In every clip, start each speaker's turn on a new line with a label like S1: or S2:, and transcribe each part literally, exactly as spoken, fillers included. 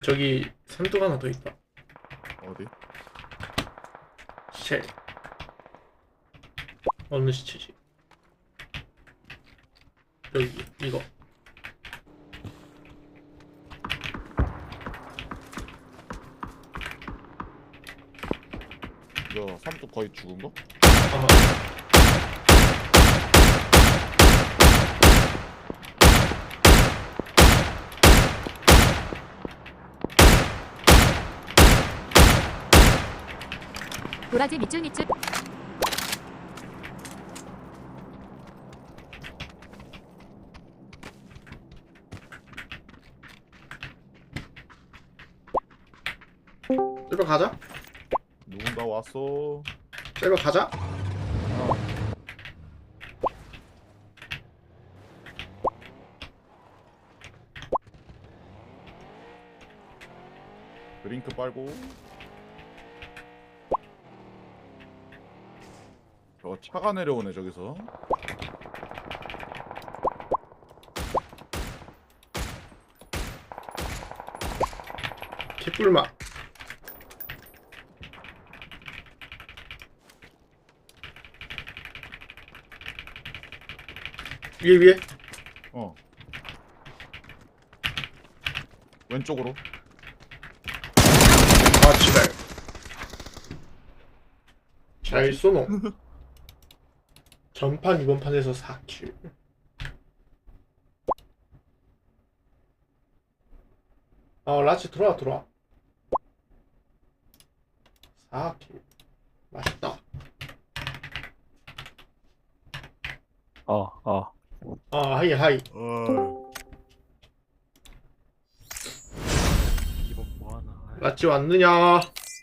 S1: 저기 삼뚝 하나 더 있다.
S2: 어디?
S1: 시체. 어느 시체지? 여기 이거.
S2: 이거 삼뚝 거의 죽은 거?
S1: 아,
S3: 도라지 밑줄 밑줄.
S1: 셀버 가자.
S2: 누군가 왔어.
S1: 셀버 가자.
S2: 드링크 빨고. 저 차가 내려오네 저기서.
S1: 개꿀맛. 위에 위에.
S2: 어. 왼쪽으로.
S1: 아 지랄. 잘 쏘노. 전판 이번 판에서 사 킬. 어 라치 들어와 들어와. 사 킬. 맛있다.
S4: 어, 어.
S1: 아 하이 하이.
S2: 어.
S4: 이번 뭐하나. 아이,
S1: 라치 왔느냐?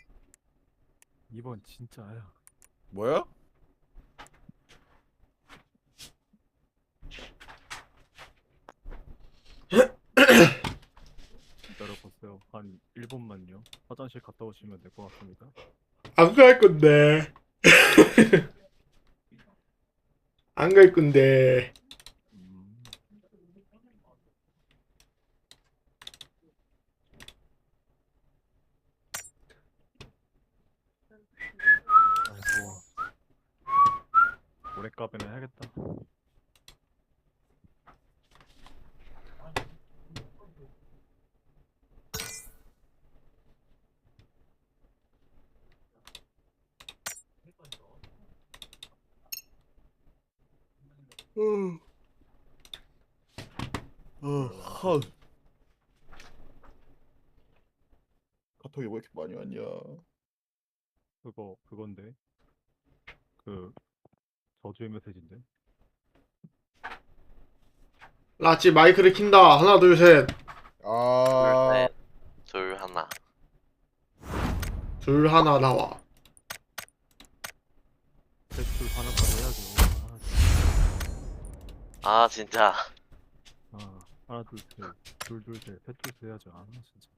S4: 이번 진짜야.
S2: 뭐야?
S4: 기다려보세요. 한 일 분만요. 화장실 갔다 오시면 될 것 같습니다.
S1: 안 갈 건데. 안 갈 건데.
S4: 음, 아이고. 모래값에는 해야겠다.
S2: 어. 어. 하. 카톡이 왜 이렇게 많이 왔냐?
S4: 그거, 그건데. 그, 저주의 메시지인데.
S1: 라치 마이크를 킨다. 하나 둘 셋.
S2: 아.
S5: 둘, 하나.
S1: 둘 하나 나와.
S4: 대출 하나까지 해야죠. 아,
S5: 아, 진짜.
S4: 아, 하나, 둘, 셋. 둘, 둘, 셋. 셋둘 해야죠. 아, 진짜.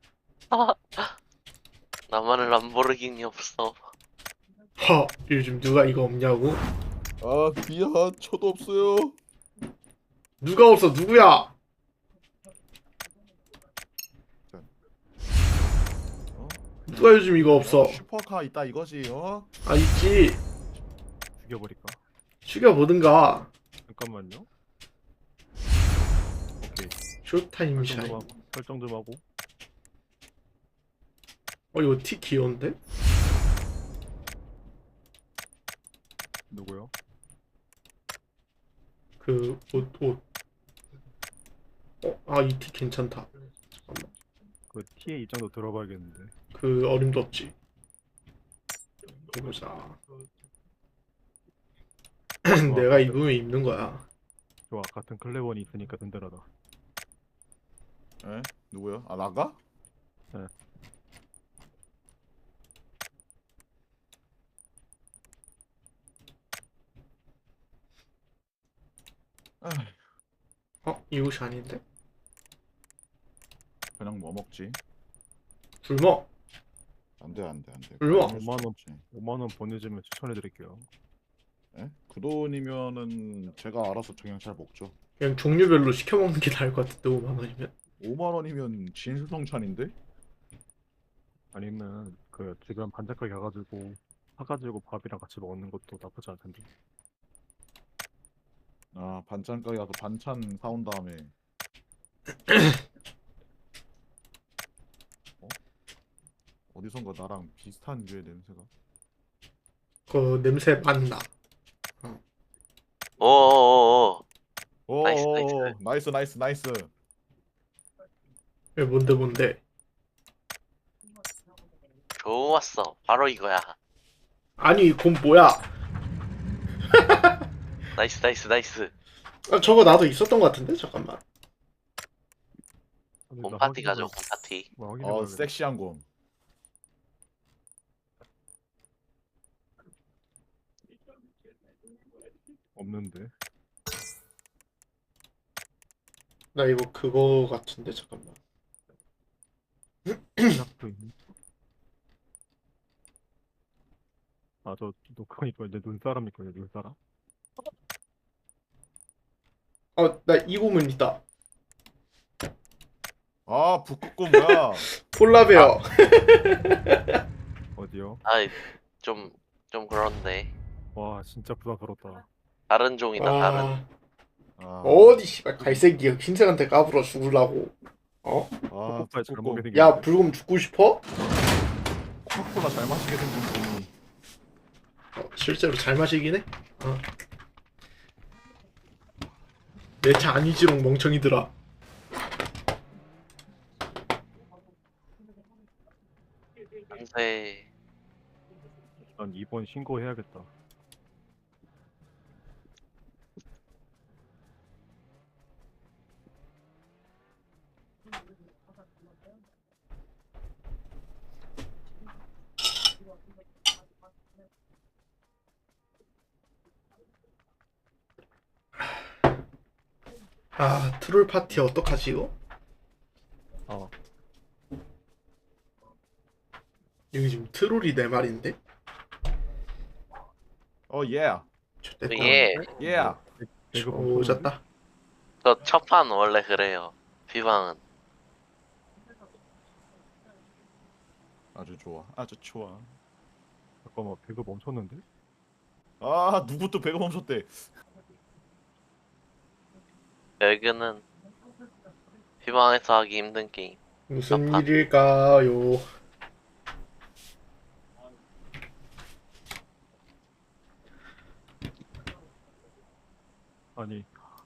S5: 나만은 람보르기니 없어.
S1: 허 요즘 누가 이거 없냐고?
S2: 아 미안. 저도 없어요.
S1: 누가 없어 누구야?
S2: 어?
S1: 누가 요즘 이거 없어?
S2: 슈퍼카 있다 이거지. 어?
S1: 아 있지.
S4: 죽여버릴까?
S1: 죽여보든가.
S4: 잠깐만요. 오케이.
S1: 쇼타임
S4: 설정
S1: 샤인.
S4: 좀 하고. 설정 좀 하고.
S1: 어 이거 티 귀여운데?
S4: 누구요?
S1: 그 옷 옷. 어? 아 이 티 괜찮다. 잠깐만.
S4: 그 티의 입장도 들어봐야겠는데.
S1: 그 어림도 없지. 해보자. 내가 입으면 입는 거야.
S4: 좋아, 같은 클레본이 있으니까 든든하다.
S2: 에? 누구야? 아 나가?
S4: 네.
S2: 에휴,
S1: 어? 이 옷이 아닌데?
S2: 그냥 뭐 먹지?
S1: 굶어.
S2: 안돼 안돼 안돼.
S1: 얼마?
S4: 오만 원. 오만 원 보내주면 추천해드릴게요.
S2: 예? 그 돈이면은 제가 알아서 그냥 잘 먹죠.
S1: 그냥 종류별로 시켜 먹는 게 나을 것 같은데 오만 원이면.
S2: 오만 원이면 진수성찬인데?
S4: 아니면 그 지금 반짝하게 가가지고 사가지고 밥이랑 같이 먹는 것도 나쁘지 않을 텐데.
S2: 아 반찬 가게 가서 반찬 사온 다음에 어? 어디선가 나랑 비슷한 류의 냄새가.
S1: 그 냄새 맡나?
S5: 오오오오. 나이스,
S2: 오 나이스 나이스 나이스.
S1: 왜 뭔데 뭔데?
S5: 좋았어. 바로 이거야.
S1: 아니 이건 뭐야?
S5: 나이스 나이스 나이스.
S1: 아, 저거 나도 있었던 것 같은데 잠깐만.
S4: 근데 나
S5: 홈파티
S4: 확인해봐야-
S5: 가죠 홈파티.
S4: 뭐
S2: 어
S4: 확인해봐야겠다.
S2: 섹시한 곰.
S4: 없는데.
S1: 나 이거 그거 같은데 잠깐만.
S4: 시작도 있네. 아저 녹화 이거 이제 눈사람 있거든요. 눈사람.
S1: 어, 나 이고문 있다.
S2: 아 북극곰 뭐야?
S1: 폴라베어.
S4: 어디요?
S5: 아이 좀 좀 그런데
S4: 와 진짜 부담스럽다.
S5: 다른 종이다 다른.
S1: 아,
S2: 아,
S1: 어디 씨발 갈색이 흰색한테 까불어 죽으려고. 어?
S2: 아
S4: 오빠의 잘 먹게
S2: 북극곰.
S4: 생겼는데.
S1: 야 불금 죽고 싶어?
S2: 코카콜라 잘 마시게 생긴 곰이.
S1: 어, 실제로 잘 마시긴 해. 어. 내 차 아니지롱 멍청이들아.
S5: 안돼.
S4: 난 이번 신고해야겠다.
S1: 아 트롤 파티 어떡하지 이거?
S4: 아
S1: 여기 지금 트롤이 내 말인데?
S2: 어 예.
S1: 좋됐다.
S5: 예.
S2: 예.
S4: 배급 엄청
S1: 오졌다.
S5: 저 첫판 원래 그래요. 비방은.
S2: 아주 좋아. 아주 좋아.
S4: 잠깐만 배급 멈췄는데?
S2: 아 누구 또 배가 멈췄대.
S5: 여기는 비방에서 하기 힘든 게임.
S1: 무슨
S5: 아파.
S1: 일일까요?
S4: 아니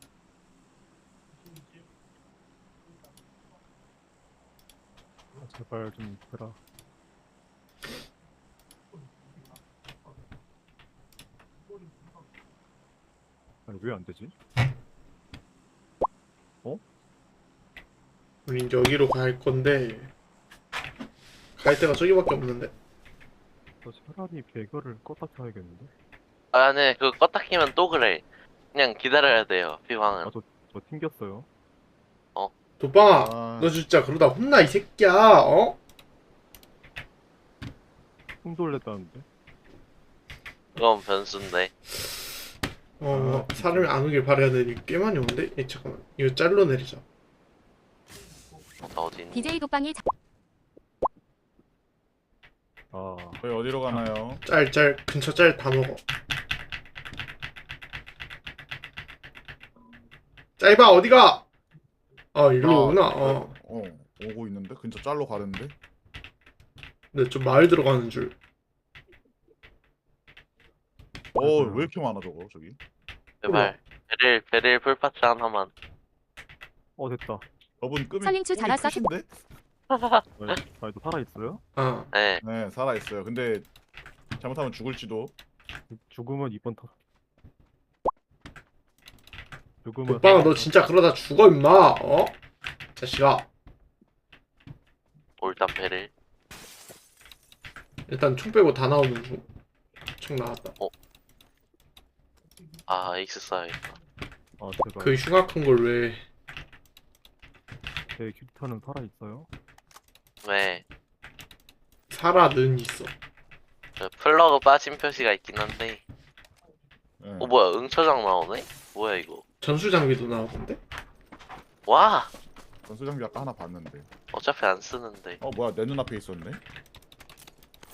S4: 아, 제발 좀 해라. 아니 왜 안 되지?
S1: 우리 이제 여기로 갈 건데 갈 데가 저기밖에 없는데.
S4: 저 차라리 배그를 껐다 켜야겠는데?
S5: 아, 네, 그거 껐다 키면 또 그래. 그냥 기다려야 돼요, 비방은.
S4: 아저 저 튕겼어요.
S1: 도빵아,
S2: 아.
S1: 너 진짜 그러다 혼나 이 새끼야. 어?
S4: 숨 돌렸다는데?
S5: 그건 변수인데.
S1: 어,
S4: 아,
S1: 사람이 안 오길 바라야 되니 꽤 많이 오는데? 예, 잠깐만. 이거 짤로 내리자.
S5: 나 어디 있니?
S3: 디제이 독방이 자-
S4: 아
S2: 저희 어디로 가나요?
S1: 짤, 짤, 근처 짤 다 먹어. 짤봐, 어디가? 아, 일로
S2: 나-
S1: 오구나. 어.
S2: 어 오고 있는데 근처 짤로 가는데.
S1: 근데 좀 마을 들어가는 줄.
S2: 어 왜 이렇게 많아 저거 저기.
S5: 제발. 베릴, 베릴 풀파츠 하나만.
S4: 어 됐다.
S2: 저분 급이
S3: 설링추 잘 왔어.
S2: 크신데?
S4: 아니, 아니 또 살아 있어요?
S1: 아,
S5: 네.
S2: 네 살아 있어요. 근데 잘못하면 죽을지도.
S4: 죽으면 이번 타. 죽으면
S1: 도빵아, 너 진짜 그러다 죽어, 임마. 어? 자식아.
S5: 올단 베릴.
S1: 일단 총 빼고 다 나오는 중. 총 나왔다.
S5: 아, 에이스 써야겠다.
S4: 아 제발
S1: 그 흉악한 걸 왜.
S4: 제 캐릭터는 살아 있어요?
S5: 왜?
S1: 살아는 있어.
S5: 저 플러그 빠진 표시가 있긴 한데.
S2: 네.
S5: 어, 뭐야, 응처장 나오네? 뭐야, 이거.
S1: 전수 장비도 나오던데?
S5: 와!
S2: 전수 장비 아까 하나 봤는데.
S5: 어차피 안 쓰는데.
S2: 어 뭐야 내 눈앞에 있었네.